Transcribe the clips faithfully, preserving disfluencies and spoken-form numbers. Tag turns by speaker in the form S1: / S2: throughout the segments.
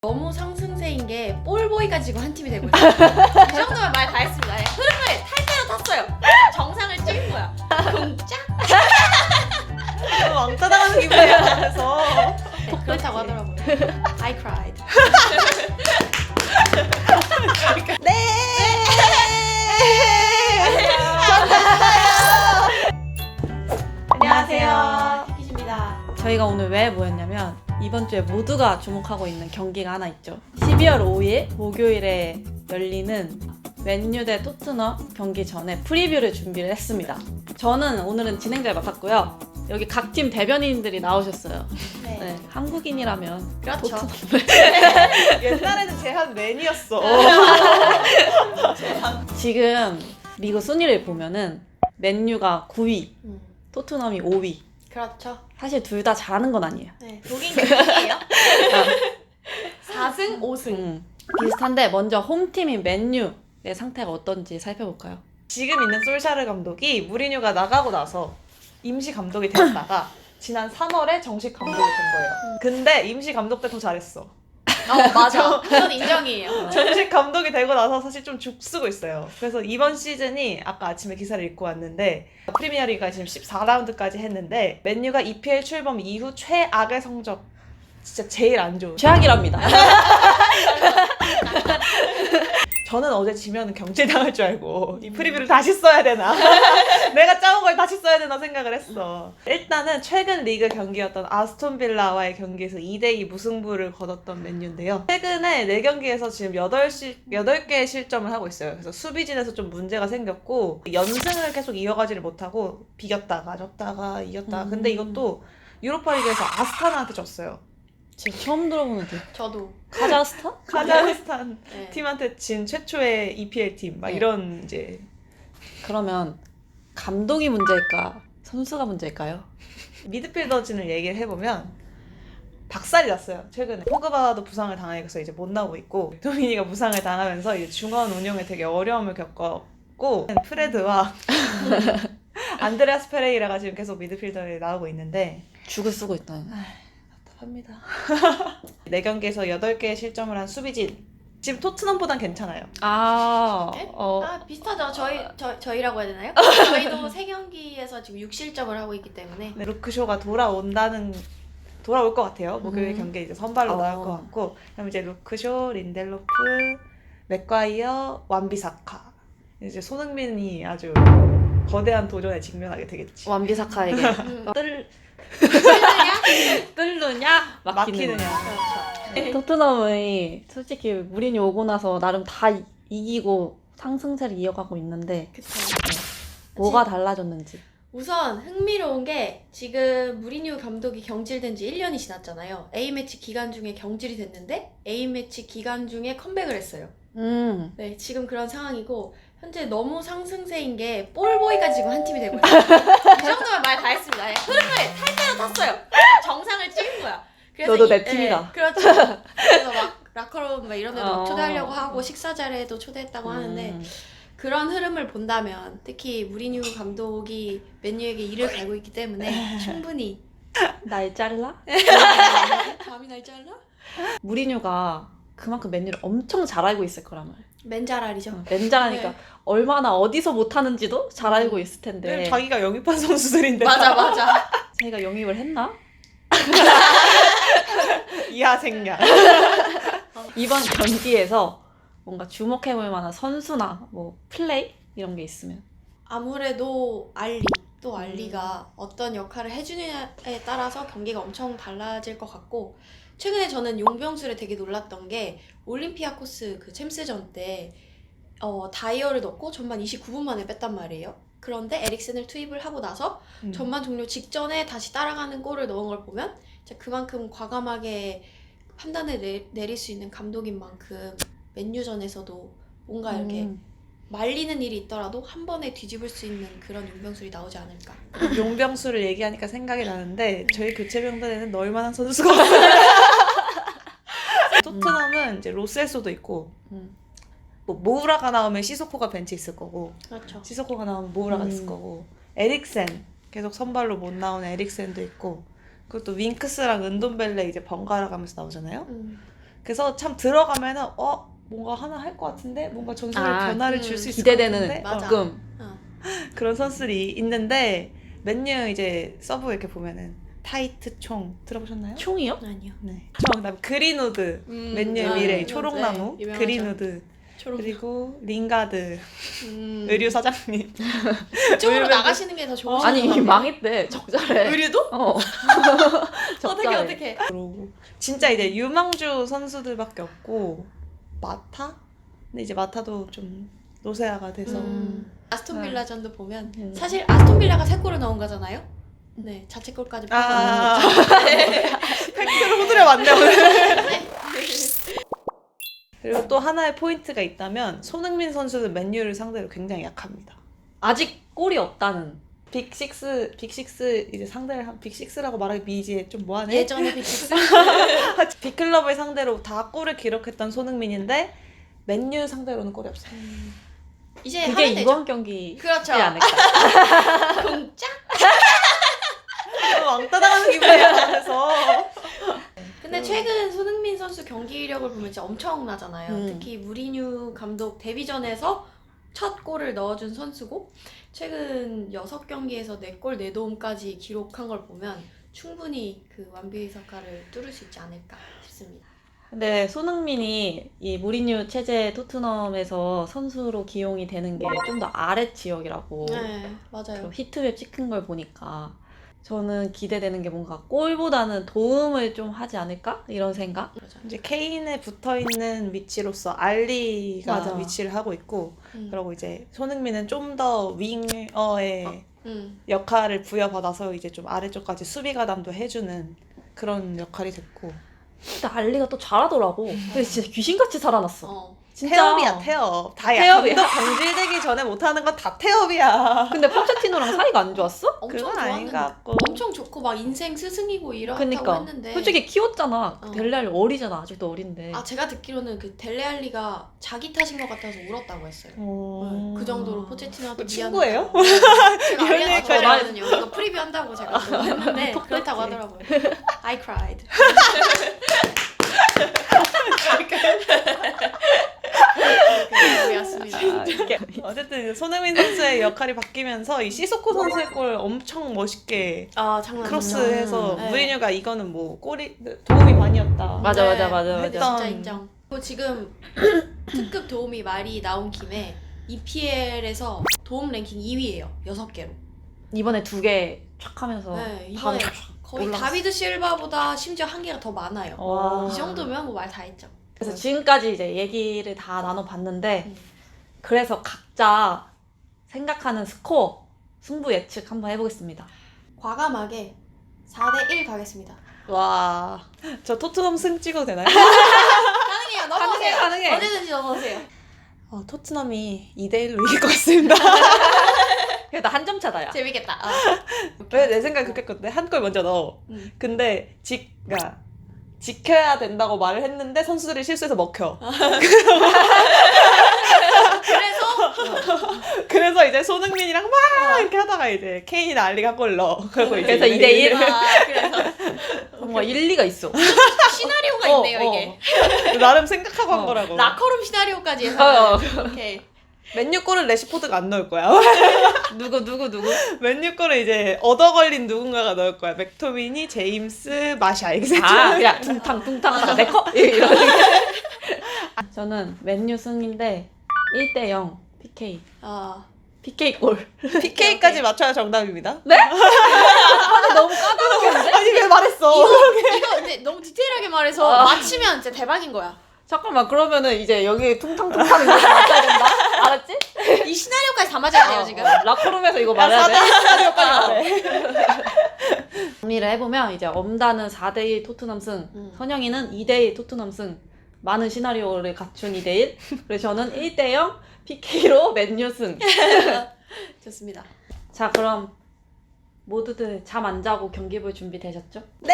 S1: 너무 상승세인 게 볼보이가 지금 한 팀이 되고 있어요. 이 정도면 말 다 했습니다. 네, 흐름을 탈 대로 탔어요. 정상을 찍은 거야. 공짜?
S2: 왕따 당하는 기분이야. 그래서
S1: 네, 그렇다고 하더라고요. I cried.
S2: 네. 안녕하세요.
S1: 키키즈입니다.
S3: 저희가 오늘 왜 모였냐면 이번 주에 모두가 주목하고 있는 경기가 하나 있죠. 십이월 오일 목요일에 열리는 맨유 대 토트넘 경기 전에 프리뷰를 준비를 했습니다. 저는 오늘은 진행자를 맡았고요. 여기 각 팀 대변인들이 나오셨어요.
S1: 네.
S3: 네, 한국인이라면
S1: 그렇죠.
S2: 옛날에는 제한 맨이었어.
S3: 지금 리그 순위를 보면은 맨유가 구 위,
S1: 음,
S3: 토트넘이 오 위.
S1: 그렇죠.
S3: 사실 둘 다 잘하는 건 아니에요.
S1: 네, 독인 경기예요. 사 승 오 승.
S3: 음, 비슷한데 먼저 홈팀인 맨유의 상태가 어떤지 살펴볼까요?
S2: 지금 있는 솔샤르 감독이 무리뉴가 나가고 나서 임시 감독이 되었다가 지난 삼월에 정식 감독이 된 거예요. 근데 임시 감독 때 더 잘했어.
S1: 어, 맞아. 그건 인정이에요.
S2: 정식 감독이 되고 나서 사실 좀 죽쓰고 있어요. 그래서 이번 시즌이 아까 아침에 기사를 읽고 왔는데 프리미어리가 지금 십사 라운드까지 했는데 맨유가 이피엘 출범 이후 최악의 성적, 진짜 제일 안 좋은.
S3: 최악이랍니다.
S2: 저는 어제 지면은 경질당할 줄 알고 이 프리뷰를 다시 써야 되나 내가 짜온 걸 다시 써야 되나 생각을 했어. 일단은 최근 리그 경기였던 아스톤 빌라와의 경기에서 이 대 이 무승부를 거뒀던 맨유인데요. 최근에 네 경기에서 지금 여덟 개의 실점을 하고 있어요. 그래서 수비진에서 좀 문제가 생겼고 연승을 계속 이어가지를 못하고 비겼다가 졌다가 이겼다가. 근데 이것도 유로파리그에서 아스타나한테 졌어요.
S3: 지금 처음 들어보는데.
S1: 저도.
S3: 카자흐스탄?
S2: 카자흐스탄
S1: 네.
S2: 팀한테 진 최초의 이피엘 팀 막
S3: 네.
S2: 이런 이제.
S3: 그러면 감독이 문제일까? 선수가 문제일까요?
S2: 미드필더진을 얘기를 해보면 박살이 났어요. 최근에 포그바도 부상을 당해서 이제 못 나오고 있고 도미니가 부상을 당하면서 이제 중원 운영에 되게 어려움을 겪었고 프레드와 안드레아스 페레이라가 지금 계속 미드필더에 나오고 있는데
S3: 죽을 쓰고 있다.
S2: 답답합니다. 네 경기에서 여덟 개의 실점을 한 수비진. 지금 토트넘보단 괜찮아요.
S3: 아,
S1: 네?
S3: 어,
S1: 아, 비슷하죠. 저희, 저, 저희라고 해야 되나요? 저희도 세 경기에서 지금 육 실점을 하고 있기 때문에.
S2: 네, 루크쇼가 돌아온다는 돌아올 것 같아요. 목요일
S3: 음.
S2: 경기에 이제 선발로
S3: 어.
S2: 나올 것 같고, 그다음 이제 루크쇼, 린델로프, 맥과이어, 완비사카. 이제 손흥민이 아주 거대한 도전에 직면하게 되겠지.
S3: 완비사카에게
S1: 음.
S3: 뜰,
S1: 실느냐?
S3: 뜰느냐? 막히느냐.
S2: 막히느냐.
S1: 그렇죠.
S3: 토트넘이 솔직히 무리뉴 오고 나서 나름 다 이- 이기고 상승세를 이어가고 있는데
S1: 그쵸.
S3: 뭐가 달라졌는지.
S1: 우선 흥미로운 게 지금 무리뉴 감독이 경질된 지 일 년이 지났잖아요. A매치 기간 중에 경질이 됐는데 A매치 기간 중에 컴백을 했어요.
S3: 음,
S1: 네, 지금 그런 상황이고 현재 너무 상승세인 게 볼보이가 지금 한 팀이 되고 있어요. 이 정도면 말 다 했습니다. 네, 흐름을 탈 대로 탔어요. 정상을 찍은 거야. 그래서
S3: 너도
S1: 이-
S3: 내 팀이다.
S1: 네, 그렇죠. 그래서 막 라커룸 막 이런 데도 막
S3: 어.
S1: 초대하려고 하고 식사 자리에도 초대했다고 하는데
S3: 음.
S1: 그런 흐름을 본다면 특히 무리뉴 감독이 맨유에게 이를 갈고 있기 때문에 충분히
S3: 날 잘라?
S1: 감이 날 잘라?
S3: 무리뉴가 그만큼 맨유를 엄청 잘 알고 있을 거란 말이야.
S1: 맨자랄이죠.
S3: 맨잘하니까
S1: 네.
S3: 얼마나 어디서 못하는지도 잘 알고 있을 텐데
S2: 네. 자기가 영입한 선수들인데.
S1: 맞아 맞아.
S3: 자기가 영입을 했나?
S2: 이하 생략.
S3: 이번 경기에서 뭔가 주목해볼 만한 선수나 뭐 플레이 이런 게 있으면.
S1: 아무래도 알리 또 알리가 어떤 역할을 해주느냐에 따라서 경기가 엄청 달라질 것 같고 최근에 저는 용병술에 되게 놀랐던 게 올림피아코스 그 챔스전 때 어, 다이어를 넣고 전반 이십구 분 만에 뺐단 말이에요. 그런데 에릭센을 투입을 하고 나서
S2: 음.
S1: 전반 종료 직전에 다시 따라가는 골을 넣은 걸 보면 진짜 그만큼 과감하게 판단을 내, 내릴 수 있는 감독인 만큼 맨유전에서도 뭔가 이렇게
S3: 음.
S1: 말리는 일이 있더라도 한 번에 뒤집을 수 있는 그런 용병술이 나오지 않을까.
S2: 용병수를 얘기하니까 생각이 나는데 저희 교체병단에는 넣을 만한 선수가 없어요. 토트넘은 이제 로셀소도 있고
S3: 음.
S2: 뭐 모우라가 나오면 시소코가 벤치 있을 거고
S1: 그렇죠.
S2: 시소코가 나오면 모우라가
S3: 음.
S2: 있을 거고 에릭센 계속 선발로 못 나오는 에릭센도 있고 그리고 또 윙크스랑 은돈벨레 이제 번갈아 가면서 나오잖아요.
S1: 음.
S2: 그래서 참 들어가면은 어 뭔가 하나 할 것 같은데 뭔가 전술에
S3: 아,
S2: 변화를
S1: 음,
S2: 줄 수 있을
S3: 기대되는
S2: 것 같은데
S1: 맞아.
S3: 조금
S1: 어.
S2: 그런 선수들이 있는데 맨유 이제 서브 이렇게 보면은 타이트 총 들어보셨나요?
S3: 총이요?
S1: 아니요.
S2: 네. 총 그다음 그린우드
S1: 음,
S2: 맨유의
S1: 아,
S2: 미래
S1: 네,
S2: 초록나무
S1: 네, 유명하죠.
S2: 그린우드
S1: 초록.
S2: 그리고 링가드
S1: 음.
S2: 의류 사장님
S1: 이쪽으로
S2: 의류
S1: 나가시는 게 더 좋으신
S3: 아니
S1: 것 같아요.
S3: 망했대. 적자래.
S1: 의류도?
S3: 어.
S1: 어떻게
S3: 적자래.
S1: 어떻게?
S2: 그러고 진짜 이제 유망주 선수들밖에 없고 마타? 근데 이제 마타도 좀 노세아가 돼서
S1: 음. 아스톤 빌라전도 보면
S3: 음.
S1: 사실 아스톤 빌라가 세 골을 넣은 거잖아요. 네, 자책골까지.
S2: 아 팩트를 호들여 맞네 오늘. 그리고 또 하나의 포인트가 있다면 손흥민 선수는 맨유를 상대로 굉장히 약합니다.
S3: 아직 골이 없다는.
S2: 빅식스 빅식스 이제 상대를 한 빅식스라고 말하기 미지에 좀 뭐하네.
S1: 예전에 빅식스.
S2: 빅클럽을 상대로 다 골을 기록했던 손흥민인데 맨유 상대로는 골이 없어요.
S1: 이제
S3: 그게
S1: 하면 되죠.
S3: 이번 경기지
S1: 그렇죠.
S3: 않을까.
S1: 공짜?
S2: 너무 왕따 당하는 기분이야. 그래서
S1: 근데
S2: 음.
S1: 최근 손흥민 선수 경기력을 보면 진짜 엄청나잖아요.
S3: 음.
S1: 특히 무리뉴 감독 데뷔전에서 첫 골을 넣어준 선수고 최근 여섯 경기에서 네 골 네 도움까지 기록한 걸 보면 충분히 그 완비의 사카를 뚫을 수 있지 않을까 싶습니다.
S3: 근데 손흥민이 이 무리뉴 체제 토트넘에서 선수로 기용이 되는 게 좀 더 아래 지역이라고
S1: 네, 맞아요.
S3: 그 히트맵 찍힌 걸 보니까 저는 기대되는 게 뭔가 골보다는 도움을 좀 하지 않을까? 이런 생각?
S2: 이제 케인에 붙어 있는 위치로서 알리가
S3: 맞아.
S2: 위치를 하고 있고
S1: 음.
S2: 그리고 이제 손흥민은 좀 더 윙어의
S1: 음.
S2: 역할을 부여받아서 이제 좀 아래쪽까지 수비 가담도 해주는 그런 역할이 됐고
S3: 근데 알리가 또 잘하더라고. 근데 진짜 귀신같이 살아났어.
S1: 어.
S3: 진짜.
S2: 태업이야 태업. 다
S3: 태업이야.
S2: 감독 경질되기 전에 못하는 건 다 태업이야.
S3: 근데 포체티노랑 사이가 안 좋았어?
S1: 엄청
S2: 그건
S1: 좋았는데
S2: 아닌 것 같고.
S1: 엄청 좋고 막 인생 스승이고 이렇다고
S3: 그니까.
S1: 했는데
S3: 솔직히 키웠잖아.
S1: 어.
S3: 델레알리 어리잖아. 아직도 어린데.
S1: 아 제가 듣기로는 그 델레알리가 자기 탓인 것 같아서 울었다고 했어요.
S2: 어...
S1: 네, 그 정도로 포체티노한테
S2: 그 친구예요?
S1: 미안하다고. 제가
S2: 이런
S1: 알리한테
S2: 얘기까지
S1: 전화했거든요. 이거 프리뷰 한다고 제가 또 했는데
S3: 톡
S1: 그렇다고
S3: 떴지.
S1: 하더라고요. I cried. 이렇게 왔습니다.
S2: 아, 이게 어쨌든 이제 손흥민 선수의 역할이 바뀌면서 이 시소코 선수의 골 엄청 멋있게
S1: 아 장난
S2: 크로스해서
S1: 네.
S2: 무리뉴가 이거는 뭐 골이 도움이 많이었다.
S3: 맞아, 맞아, 맞아,
S1: 근데
S2: 맞아.
S1: 진짜 인정. 그리고 지금 특급 도움이 말이 나온 김에 이피엘에서 도움 랭킹 이 위예요. 여섯 개로.
S3: 이번에 두 개 촥 하면서
S1: 네, 이번에
S3: 바로
S1: 거의
S3: 올라갔어.
S1: 다비드 실바보다 심지어 한 개가 더 많아요.
S3: 와.
S1: 이 정도면 뭐 말 다 했죠.
S3: 그래서 지금까지 이제 얘기를 다 나눠봤는데
S1: 음.
S3: 그래서 각자 생각하는 스코어 승부 예측 한번 해보겠습니다.
S1: 과감하게 사 대 일 가겠습니다.
S2: 와, 저 토트넘 승 찍어도 되나요?
S1: 가능해요. 넘어오세요.
S3: 가능해, 가능해.
S1: 언제든지 넘어오세요.
S2: 어, 토트넘이 이 대 일로 이길 것 같습니다.
S3: 그래도 한 점 차다야.
S1: 재밌겠다. 아.
S2: 왜 내 생각 그렇게 했거든. 한 골 먼저 넣어.
S1: 음.
S2: 근데 지, 그러니까 지켜야 된다고 말을 했는데 선수들이 실수해서 먹혀.
S1: 그래서
S2: 그래서 이제 손흥민이랑 막 이렇게 하다가 이제 케인이나 알리가 골 넣어. 그리고 이제
S3: 그래서 이 대 일.
S1: 아, 그래서
S3: 뭔가 일리가 있어.
S1: 시나리오가
S3: 어,
S1: 있네요
S3: 어.
S1: 이게.
S2: 나름 생각하고 한
S3: 어,
S2: 거라고.
S1: 라커룸 시나리오까지
S3: 어,
S1: 해서.
S3: 어.
S1: 오케이.
S2: 맨유 골은 레시포드가 안 넣을 거야.
S3: 누구 누구 누구?
S2: 맨유 골은 이제 얻어 걸린 누군가가 넣을 거야. 맥토미니, 제임스, 마샤 이렇게
S3: 아 그냥 둥탕 둥탕 하다가 내커 이런. 저는 맨유 승인데 일 대 영 피케이.
S1: 아.
S3: 피케이 골.
S2: 피케이까지 맞춰야 정답입니다.
S3: 네? 아니 너무 까다로운데?
S2: 아니 왜 말했어?
S1: 이거 이거 근데 너무 디테일하게 말해서
S3: 아.
S1: 맞히면 진짜 대박인 거야.
S3: 잠깐만 그러면은 이제 여기 퉁탕퉁탕 이거 맞아야 된다. 알았지?
S1: 이 시나리오까지 다 맞아야 돼요 지금.
S3: 어, 라커룸에서 이거
S2: 야,
S3: 말해야 돼.
S2: 사 대 일 시나리오까지 말해.
S3: 정리를 해보면 이제 엄다는 사 대 일 토트넘 승,
S1: 음.
S3: 선영이는 이 대 일 토트넘 승. 많은 시나리오를 갖춘 이 대 일. 그래서 저는 일 대 영 피케이로 맨유 승.
S1: 좋습니다.
S3: 자 그럼 모두들 잠 안 자고 경기 볼 준비 되셨죠?
S2: 네.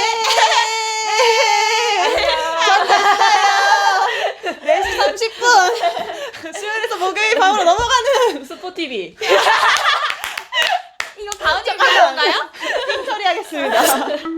S2: 네 시 삼십 분. 수요일에서 목요일 밤으로 넘어가는
S3: 스포티비.
S1: 이거 다음 얘기 건가요?
S2: 띵 처리하겠습니다.